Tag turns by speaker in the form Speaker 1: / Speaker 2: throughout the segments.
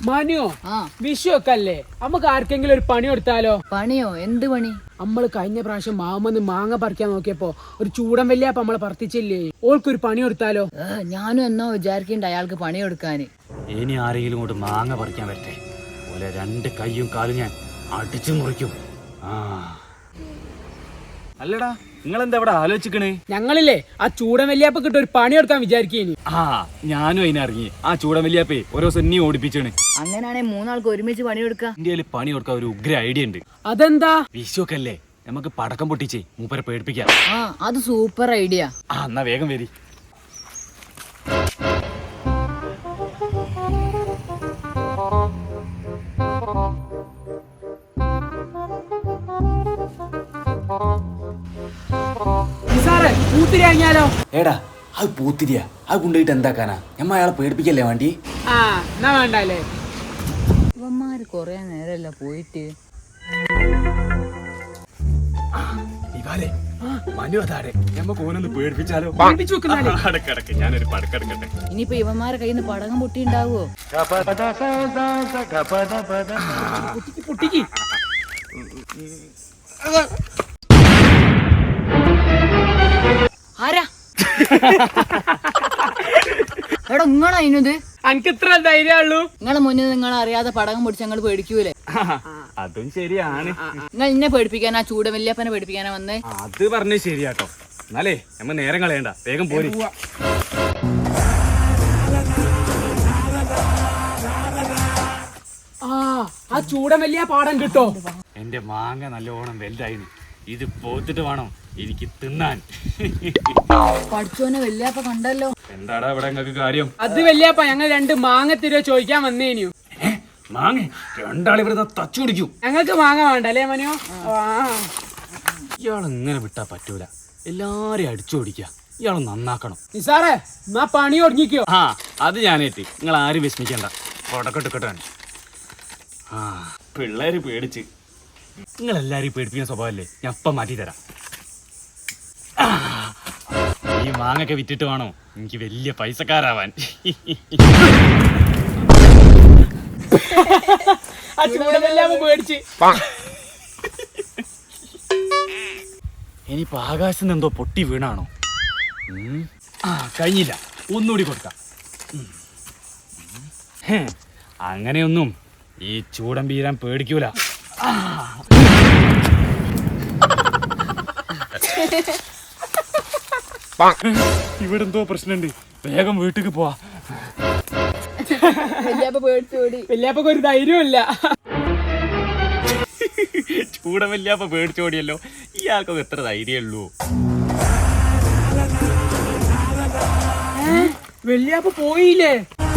Speaker 1: മാനിയോ വിഷു ഒക്കെ അല്ലേ നമുക്ക് ആർക്കെങ്കിലും ഒരു പണി കൊടുത്താലോ?
Speaker 2: പണിയോ? എന്ത് പണി?
Speaker 1: നമ്മള് കഴിഞ്ഞ പ്രാവശ്യം മാമന്ന് മാങ്ങ പറിക്കാൻ നോക്കിയപ്പോ ഒരു ചൂടൻ വല്യാപ്പ നമ്മളെ പറത്തിച്ചില്ലേ, ഓൾക്കൊരു പണി കൊടുത്താലോ?
Speaker 2: ഞാനും എന്നോ വിചാരിക്കണ്ട അയാൾക്ക് പണി കൊടുക്കാന്.
Speaker 3: ഇനി ആരെങ്കിലും കൊണ്ട് മാങ്ങ പറിക്കാൻ വരട്ടെ, പോലെ 2 കൈയും കാലും ഞാൻ അടിച്ചു മുറിക്കും. അല്ലടാ, നിങ്ങളെന്താ ഇവിടെ ആലോചിക്കണേ?
Speaker 1: ഞങ്ങളില്ലേ ആ ചൂടൻ വല്യാപ്പ കിട്ട ഒരു പണി കൊടുക്കാൻ വിചാരിക്കേനി.
Speaker 3: ഞാനും അതിനിറങ്ങി. ആ ചൂടൻ വല്യാപ്പേ ഓരോ സെന്നി ഓടിപ്പിച്ചാണ്.
Speaker 2: അങ്ങനെയാണെ 3 ആൾക്ക് ഒരുമിച്ച് പണി കൊടുക്കാം.
Speaker 3: ഇന്ത്യയിൽ പണി കൊടുക്കാൻ ഒരു ഉഗ്ര ഐഡിയ ഉണ്ട്.
Speaker 1: അതെന്താ?
Speaker 3: വിഷുവൊക്കെ അല്ലേ, നമുക്ക് പടക്കം പൊട്ടിച്ചേ മൂപ്പരെ പേടിപ്പിക്കാം.
Speaker 2: അത് സൂപ്പർ ഐഡിയ.
Speaker 3: എന്നാ വേഗം വരി.
Speaker 4: എടാ അത് പൂത്തിരിയ, അത് കൊണ്ടുപോയിട്ട് എന്താക്കാനാ? ഞമ്മ അയാളെ പേടിപ്പിക്കല്ലേ വേണ്ടി?
Speaker 1: എന്നാ വേണ്ടല്ലേ.
Speaker 2: ഇവന്മാര് കൊറേ നേരല്ല പോയിട്ട്.
Speaker 3: ഞാനൊരു പടക്കെടുക്കട്ടെ.
Speaker 2: ഇനിയിപ്പോ ഇവന്മാരെ കയ്യിൽ നിന്ന് പടകം പൊട്ടിണ്ടാവോ?
Speaker 1: പൊട്ടിക്ക്.
Speaker 2: ആരാ എടാ നിങ്ങളാ ഇന്നത്?
Speaker 1: എനിക്ക് ഇത്ര ധൈര്യമുള്ളൂ.
Speaker 2: നിങ്ങളെ മുന്നിൽ നിങ്ങൾ അറിയാതെ പടകം പൊടിച്ച് ഞങ്ങൾ പേടിക്കൂലേ?
Speaker 3: അതും ശരിയാണ്.
Speaker 2: നിങ്ങൾ ഇന്നെ പേടിപ്പിക്കാനാ ചൂടൻ വല്യപ്പനെ പേടിപ്പിക്കാനാ വന്നേ?
Speaker 3: അത് പറഞ്ഞത് ശരിയാട്ടോ. എന്നാലേ നമ്മ നേരം കളയണ്ട, വേഗം പോരി.
Speaker 1: ആ ചൂടൻ വലിയ പാടം കിട്ടോ?
Speaker 3: എന്റെ മാങ്ങ നല്ലോണം വലുതായിരുന്നു. ഇത് പോത്തിട്ട് വേണം എനിക്ക് തിന്നാൻ.
Speaker 2: പഠിച്ചോനെ വല്യപ്പ കണ്ടല്ലോ.
Speaker 3: എന്താടാ ഇവിടെ നിങ്ങൾക്ക് കാര്യം?
Speaker 1: അത് വല്യപ്പ ഞങ്ങൾ 2 മാങ്ങ തരുവോ ചോദിക്കാൻ വന്നേനു.
Speaker 3: മാങ്ങ? രണ്ടാളിവിടെ തച്ചു കുടിക്കും.
Speaker 1: ഞങ്ങൾക്ക് മാങ്ങ വേണ്ട അല്ലേ മനോ?
Speaker 3: ഇയാൾ ഇങ്ങനെ വിട്ടാ പറ്റൂല, എല്ലാരെയും അടിച്ചു ഓടിക്കുക. ഇയാൾ നന്നാക്കണം.
Speaker 1: നിസാറേ എന്നാ പണി ഒടുങ്ങിക്കോ.
Speaker 3: അത് ഞാനേറ്റി. നിങ്ങൾ ആരും വിസ്മിക്കണ്ട. കൊടക്കെട്ടുക്കെട്ടാണ്. പിള്ളേര് പേടിച്ച്. നിങ്ങൾ എല്ലാരെയും പേടിപ്പിക്കുന്ന സ്വഭാവല്ലേ, ഞാൻ ഇപ്പം മാറ്റി തരാം. ഈ മാങ്ങൊക്കെ വിറ്റിട്ട് വേണോ എനിക്ക് വലിയ പൈസക്കാരാവാൻ. ഇനിയിപ്പോ ആകാശത്ത് നിന്ന് എന്തോ പൊട്ടി വീണാണോ? കഴിഞ്ഞില്ല, ഒന്നുകൂടി കൊടുക്കാം. അങ്ങനെയൊന്നും ഈ ചൂടൻ വീരാൻ പേടിക്കൂല. ഇവിടെ എന്തോ പ്രശ്നമുണ്ട്, വേഗം വീട്ടിക്ക് പോവാ.
Speaker 1: വല്യാപ്പക്ക് ഒരു ധൈര്യമില്ല.
Speaker 3: ചൂടൻ വല്യാപ്പ പേടിച്ചോടിയല്ലോ. ഇയാൾക്കൊക്കെ എത്ര ധൈര്യമുള്ളൂ?
Speaker 1: വല്യാപ്പ പോയില്ലേ?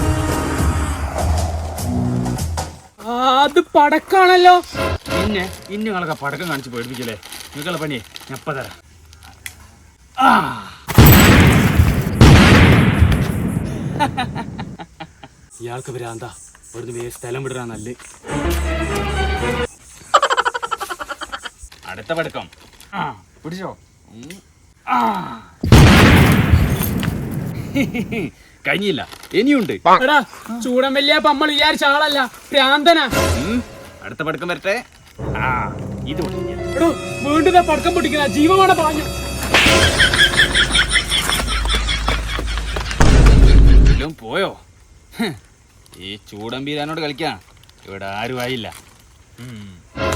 Speaker 1: അത് പടക്കാണല്ലോ.
Speaker 3: പിന്നെ ഇന്നങ്ങളൊക്കെ പടക്കം കാണിച്ച് പേടിപ്പിക്കല്ലേ? നിങ്ങളെ പണിയെ ഞാൻ ഇപ്പം തരാം. ഇയാൾക്ക് ഭ്രാന്താ, ഇവിടുന്ന് സ്ഥലം വിടാ നല്ല. അടുത്ത പടക്കം പിടിച്ചോ. കഴിഞ്ഞില്ല, ഇനിയുണ്ട്.
Speaker 1: എടാ ചൂടൻ വല്യാപ്പ നമ്മൾ വിചാരിച്ച ആളല്ല, ഭ്രാന്തനാ.
Speaker 3: അടുത്ത പടക്കം വരട്ടെ. ഇത്
Speaker 1: എടോ വീണ്ടും പടക്കം പൊട്ടിക്കുന്ന ജീവമാണ് പാഞ്ഞു.
Speaker 3: പോയോ? ഈ ചൂടൻ വീരാനോട് കളിക്കാൻ ഇവിടെ ആരും ആയില്ല.